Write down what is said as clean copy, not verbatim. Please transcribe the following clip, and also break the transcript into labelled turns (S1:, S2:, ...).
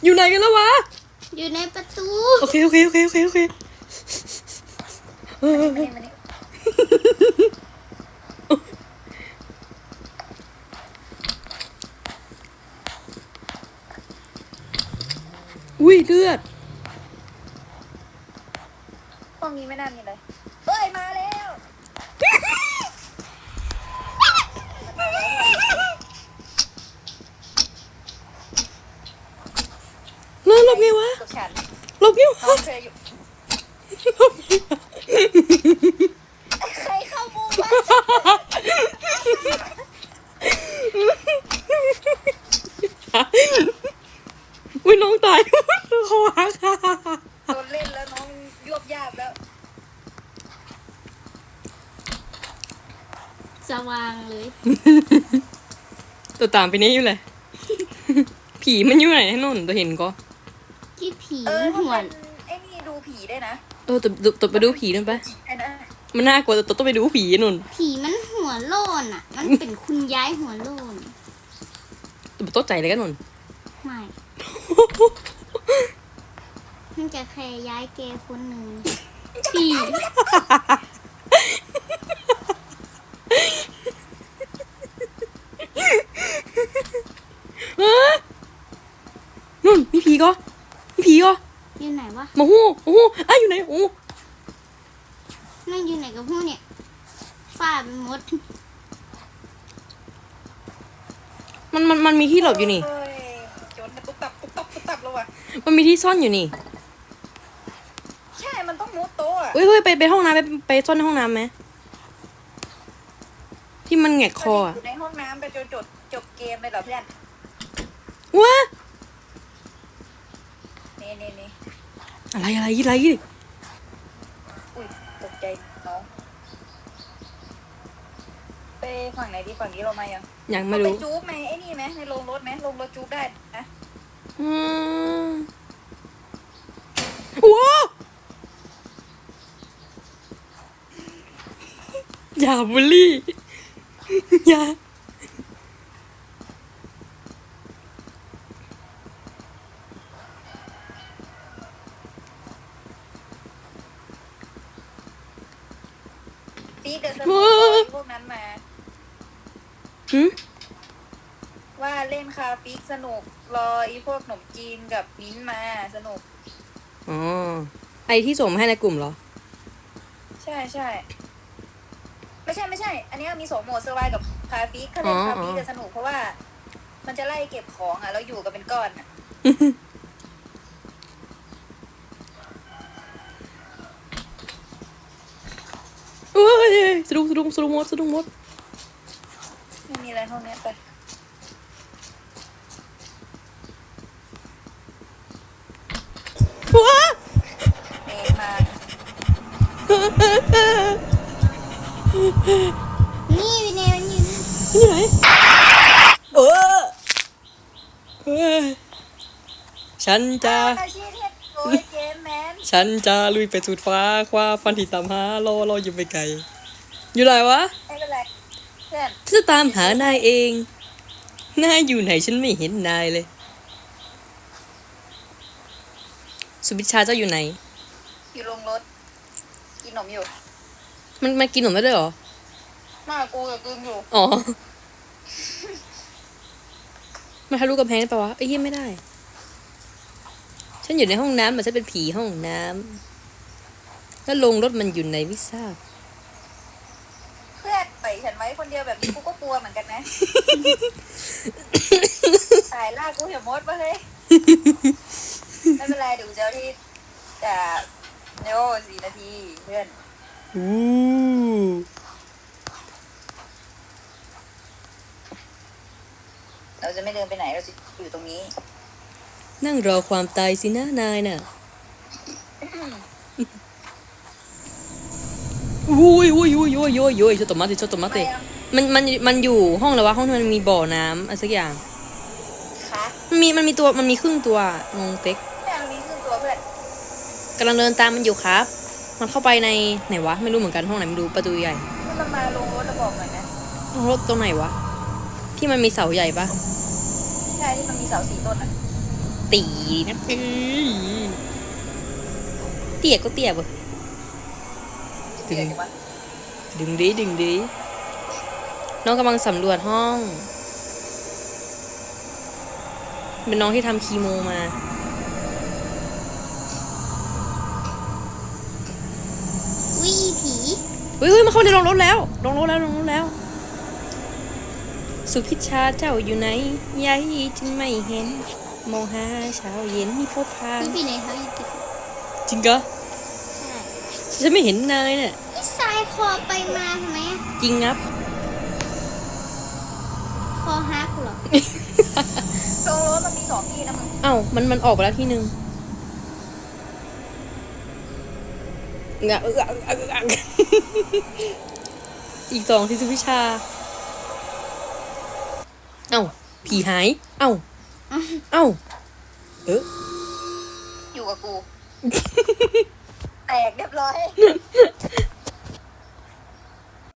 S1: อยู่ไหนกันแล้ววะ
S2: อยู่ในประตู
S1: โอเค
S3: มานี่
S1: อุ้ยเลือด
S3: ห้องนี้ไม่น่ามีเลยเอ้ยมาแล้ว
S1: หลบไงวะ
S3: กับฉัน
S1: หลบไงวะ
S3: น้องเคยอยู่ใครเข้ามุมวะ
S1: อุ้ยน้องตายเขาหัก
S3: โดนเล่นแล้วน้องยวบยาบแล้ว
S2: สว่างเลย
S1: ตัวตามไปนี้อยู่เลย ผีมันอยู่ไหนให้นนตัวเห็นก็
S2: ที่ผี
S3: ถ้า
S2: หว
S3: เป็น นไอ้นี่ดูผีได้นะ
S1: ตัวไปดูผีนั่นไป
S3: ไอ้นะ
S1: มันน่ากลัวตัวต้องไปดูผีนน
S2: ผีมันหัวโลนอ่ะ มันเป็นคุณยายหัวโลน
S1: ตัวโต๊ะใจเลยกันนน
S2: ไม่มันจะแค่ย้ายแกคนหนึ่งผี
S1: นุ่นมีผีก็
S2: อยู่ไหนวะ
S1: มาหู้อ้าวอยู่ไหนโอ้
S2: นั่งอยู่ไหนกับพวกเนี่ยฝ้าเป็นมด
S1: มันมีที่หลบอยู่นี่
S3: เฮ้ยโจนตุ๊บตับแล้วว่ะ
S1: มันมีที่ซ่อนอยู่นี่
S3: ใช่มันต้องมุดโต๊ะอะ
S1: เฮ้ยไปห้องน้ำไปซ่อนในห้องน้ำไหมที่มันแหงกคออะ
S3: อยู่ในห้องน้ำไปจบเกมเลยเหรอเพื่อน
S1: ว้า
S3: นี่
S1: อะไร
S3: อุ้ยตกใจน้องไปฝั่งไหนดีฝั่งนี้เรามายัง
S1: ยังไม่
S3: ไป
S1: รู้
S3: จู๊บไหมไอ้นี่ไหมในโรงรถไหมโรงรถจู๊บได้นะ
S1: อืมว้าอย่าบูลลี่ อย่า
S3: ซีเดอะสนุกพวกนั้นมา
S1: หืม
S3: ว่าเล่นคาฟิกสนุกรอไอ้พวกขนมจีนกับมิ้นท์มาสนุก
S1: อ๋อไอที่ส่งมาให้ในกลุ่มเหรอ
S3: ใช่ไม่ใช่ อันนี้มี2โหมดเซอร์ไวกับคาฟิกถ้าเล่นคาฟิกจะสนุกเพราะว่า มันจะไล่เก็บของอ่ะแล้วอยู่กันเป็นก้อนอ่ะ
S1: เอ้ยสะดุ้งมด
S3: ไม่มีอะไรห้องเนี้ยไป
S1: ว้า
S3: เมมา
S2: นี่วินเนมันอยู่
S1: นี่ไหนเฮ้ยฉันจะ
S3: อาชีพเฮ็ดโอ้ยเจมแมน
S1: ฉันจะลุยไปสุดฟ้าคว้าฟันที่ตามหารออยู่ไปไกล อยู่ไหนวะ
S3: ไม่เป็นไรเพื่อน
S1: ฉันจะตามหานายเอง นายอยู่ไหนฉันไม่เห็นนายเลย สุบิชาเจ้าอยู่ไหน
S3: อยู่ลงรถกินขนมอยู่
S1: มันกินหนมได้ด้วยเหรอ
S3: มากูกับกึมอยู่
S1: อ๋อ มันทะลุกำแพงได้ปะวะไอ้เหี้ยไม่ได้ ฉันอยู่ในห้องน้ำมันจะเป็นผีห้องน้ำแล้วลงรถมันอยู่ไหนไม่ทราบ
S3: เพื่อนปล่อยฉันไว้คนเดียวแบบนี้กูก็กลัวเหมือนกันนะ ตายล่ากูเหี่ยวมดปะเฮ้ย ไม่เป็นไรเดี๋ยวกูจะเอาที่จะโย่4 นาทีเพื่อน
S1: อู้
S3: เราจะไม่เดินไปไหนเราจะอยู่ตรงนี้
S1: นั่งรอความตายสินะนายน่ะ อุ้ยちょっと待ってちょっと待って
S3: ทำไมอะ
S1: มันอยู่ห้องแล้ววะห้องที่มันมีบ่อน้ำอะไรสักอย่าง
S3: คะ
S1: มันมีครึ่งตัวงงเต็ก
S3: แต่มันมีครึ่งตัวเพื่อน
S1: กำลังเดินตามมันอยู่ครับ มันเข้าไปในไหนวะไม่รู้เหมือนกันห้องไหนไม่รู้ประตูใหญ่
S3: ถ้ามันมาลงรถจะบอกหน่อยนะ
S1: ห้องรถตรงไหนวะที่มันมีเสาใหญ่ปะ
S3: ใช่ที่มันมีเสา4 ต้นอ่ะ
S1: ตีนะเตี้ยก็เตี้ยบ่
S3: เดี๋ยววะ
S1: ดึงดิน้องกำลังสำรวจห้อง เป็นน้องที่ทำคีโมมา
S2: วิผี
S1: เฮ้ยมาเข้าในโรงรถแล้วลงรถแล้ว สุพิชชาเจ้าอยู่ไหนยายจึงไม่เห็น มองหาเช้าเย็นนี่พบพา
S2: วิผีไหนเขาอยู่ติด
S1: จริงก็
S2: ใช่
S1: ฉันไม่เห็นนายเนี่ย
S2: นี่ทรายคอไปมาทำไมอะ
S1: จริงงับ
S2: คอฮักเหรอ
S3: โรงรถมันมี2ที่นะมึง
S1: เอ้ามันออกไปแล้วที่หนึ่งงะอีก2ที่สุพิชา เอ้าผีหาย เอ้าเออ
S3: อยู่กับกู แตกเรียบร้อย